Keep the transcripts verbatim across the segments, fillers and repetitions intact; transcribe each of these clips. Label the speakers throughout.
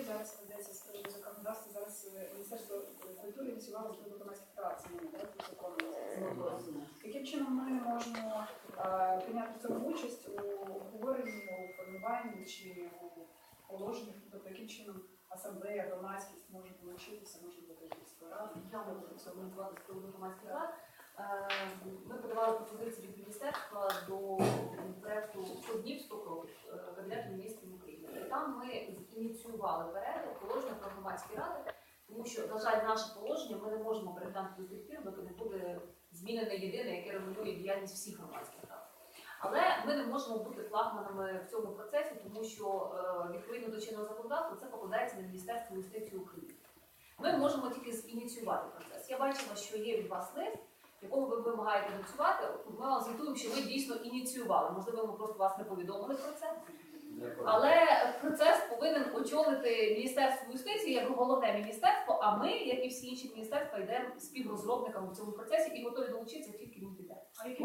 Speaker 1: зараз ведеться з приводу законодавства. Зараз Міністерство культури ініціювало з приводу громадських прав зміни до закону. Яким чином ми можемо а, прийняти в цьому участь у обговоренні, у формуванні чи у положеннях, тобто яким чином асамблея, громадськість може долучитися, може бути якісь поради?
Speaker 2: Я можу прокоментувати з приводу громадських рад. Ми подавали пропозиції від міністерства до проєкту «сто днів, сто кроків» Кабінету міністрів України. І там ми ініціювали перегляд положення про громадські ради, тому що, на жаль, наше положення ми не можемо переглянути до тих пір, доки не буде змінене єдине, яке регулює діяльність всіх громадських рад. Але ми не можемо бути флагманами в цьому процесі, тому що відповідно до чинного законодавства це покладається на Міністерство юстиції України. Ми можемо тільки ініціювати процес. Я бачила, що є від вас лист, в якому ви вимагаєте ініціювати. Ми вам звітуємо, що ви дійсно ініціювали. Можливо, ми просто вас не повідомили про це. Але процес повинен очолити Міністерство юстиції як головне міністерство, а ми, як і всі інші міністерства, йдемо співрозробниками в цьому процесі і готові долучитися, тільки він піде.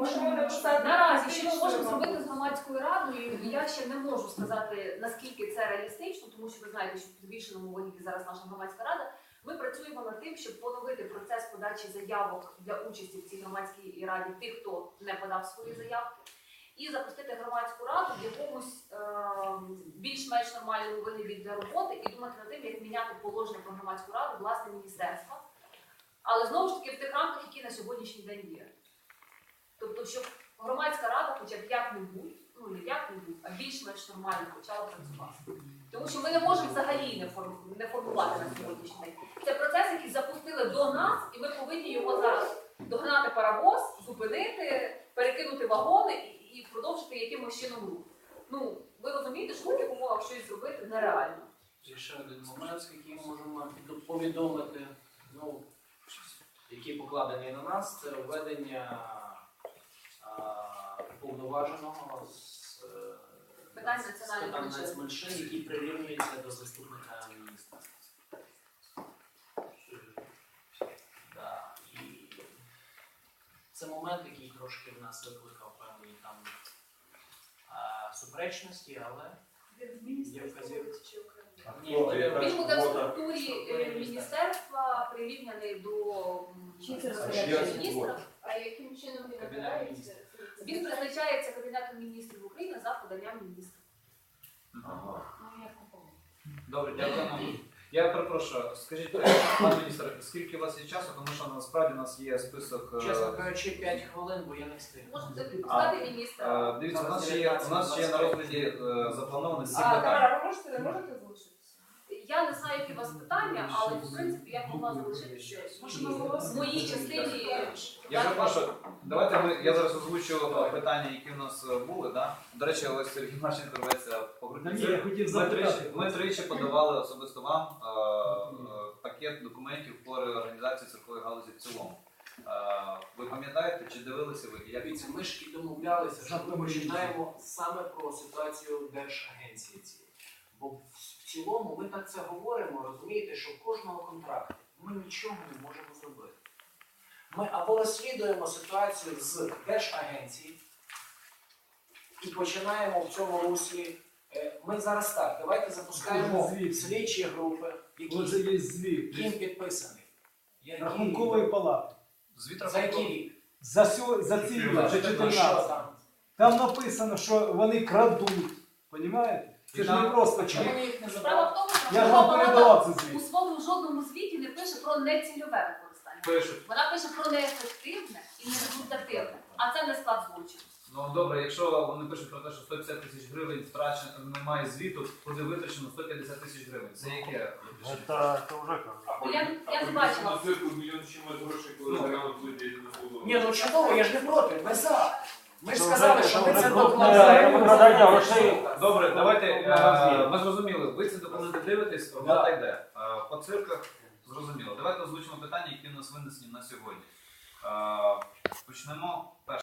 Speaker 2: Наразі, що ми можемо зробити з громадською радою, я ще не можу сказати, наскільки це реалістично, тому що ви знаєте, що в підвішеному вигляді зараз наша громадська рада. Ми працюємо над тим, щоб поновити процес подачі заявок для участі в цій громадській раді тих, хто не подав свої заявки, і запустити громадську раду в якомусь е більш-менш нормальному вигляді для роботи і думати над тим, як міняти положення про громадську раду власне міністерства. Але знову ж таки в тих рамках, які на сьогоднішній день є. Тобто, щоб громадська рада хоча б як-небудь, ну не як-небудь, а більш-менш нормально почала працювати. Тому що ми не можемо взагалі не, форм... не формувати на сьогоднішній день. Це процес, який запустили до нас, і ми повинні його зараз догнати паровоз, зупинити, перекинути вагони і, і продовжити якимось чином рух. Ну, ви розумієте, що в таких умовах щось зробити нереально.
Speaker 3: Є ще один момент, який ми можемо повідомити, ну, який покладений на нас, це введення повноваженого з
Speaker 2: питань національних
Speaker 3: нацменшин, який прирівнюється до заступника міністра. Да. І це момент, який трошки в нас викликав певні там а, суперечності, але є вказівки.
Speaker 2: Він буде в структурі міністерства прирівняний до міністра.
Speaker 1: А яким чином він
Speaker 3: обирається?
Speaker 2: Він призначається Кабінетом міністрів України за поданням міністра.
Speaker 4: Ага. Добре, дякую. Я перепрошую, скажіть, пане міністр, скільки у вас є часу, тому що насправді у нас є список...
Speaker 3: Чесно кажучи, п'ять хвилин, бо я не встиг.
Speaker 2: Можете відпускати міністра.
Speaker 4: Дивіться, у нас ще є, у нас ще є на розгляді заплановано сім
Speaker 1: А,
Speaker 4: питань.
Speaker 1: Тамара, ви можете, можете залишитися?
Speaker 2: Я не знаю, які у вас питання, але в принципі я могла залишитися в моїй частині.
Speaker 4: Я перепрошую, давайте ми, я зараз озвучу питання, які в нас були. Да? До речі, ось Сергій Марченко рветься по грудні. Ми тричі, ми тричі подавали особисто вам е, е, пакет документів по реорганізації циркової галузі в цілому. Е, ви пам'ятаєте, чи дивилися ви? Як...
Speaker 3: Дивіться, ми ж і домовлялися, що ми починаємо саме про ситуацію Держагенції цієї. Бо в цілому ми так це говоримо, розумієте, що в кожного контракту ми нічого не можемо зробити. Ми або розслідуємо ситуацію з Держагенції і починаємо в цьому руслі. Ми зараз так, давайте запускаємо слідчі групи, які ким підписані.
Speaker 5: Рахункової палати.
Speaker 4: Звіт
Speaker 3: За який рік?
Speaker 5: За, сьо, за ці вже чотирнадцять.
Speaker 3: Там?
Speaker 5: Там написано, що вони крадуть. Понімаєте? Це ж не просто
Speaker 3: Чому
Speaker 5: чому.
Speaker 3: ми їх не
Speaker 2: Справа
Speaker 3: забрали?
Speaker 2: в тому, що
Speaker 5: Я ж вам
Speaker 2: Верховна
Speaker 5: передавав
Speaker 2: Рада
Speaker 5: це
Speaker 2: у
Speaker 5: звіт.
Speaker 2: своєму жодному звіті не пише про нецільове використання.
Speaker 4: Пишуть.
Speaker 2: Вона пише про неефективне і нерезультативне, а це не склад злочину.
Speaker 4: Ну добре, якщо вони пишуть про те, що сто п'ятдесят тисяч гривень втрачено, немає звіту, куди витрачено сто п'ятдесят тисяч гривень. Це яке?
Speaker 6: Это, это уже как.
Speaker 2: Я, я не бачила.
Speaker 7: На цирку мільйон чимось грошей, коли грамоту виділити на голову.
Speaker 3: Ні, ну чудово, я ж не проти, ми за. Ми ж
Speaker 6: Це
Speaker 3: сказали,
Speaker 6: вже-
Speaker 3: що
Speaker 6: це
Speaker 3: ми
Speaker 6: вже
Speaker 3: це
Speaker 6: крупне
Speaker 3: докладаємо.
Speaker 6: викрадання грошей.
Speaker 4: Добре, давайте,
Speaker 6: Е,
Speaker 4: е, ми зрозуміли, ви ці документи дивитесь, робота йде. Е, По цирках зрозуміло. Давайте озвучимо питання, які в нас винесені на сьогодні. Е, Почнемо.